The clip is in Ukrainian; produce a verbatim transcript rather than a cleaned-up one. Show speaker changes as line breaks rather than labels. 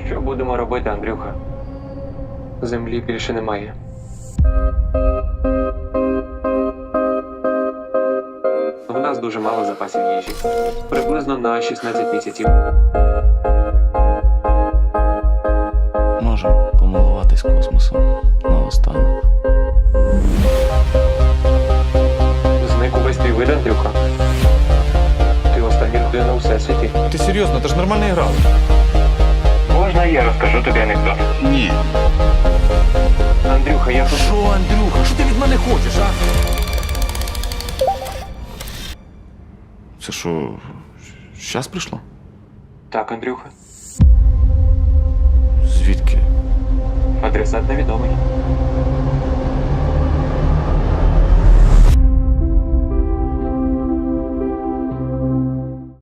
Що будемо робити, Андрюха? Землі більше немає. У нас дуже мало запасів їжі. Приблизно на шістнадцять місяців.
Можемо помилуватись космосом наостанок.
Зник увесь твій вид, Андрюха. Ти остання людина у всесвіті.
Ти серйозно, ти ж нормально грав.
Можна я розкажу тобі анекдот?
Ні.
Андрюха, я тут...
Що, Андрюха, що ти від мене хочеш, а?
Це що, щас прийшло?
Так, Андрюха.
Звідки?
Адресат невідомий.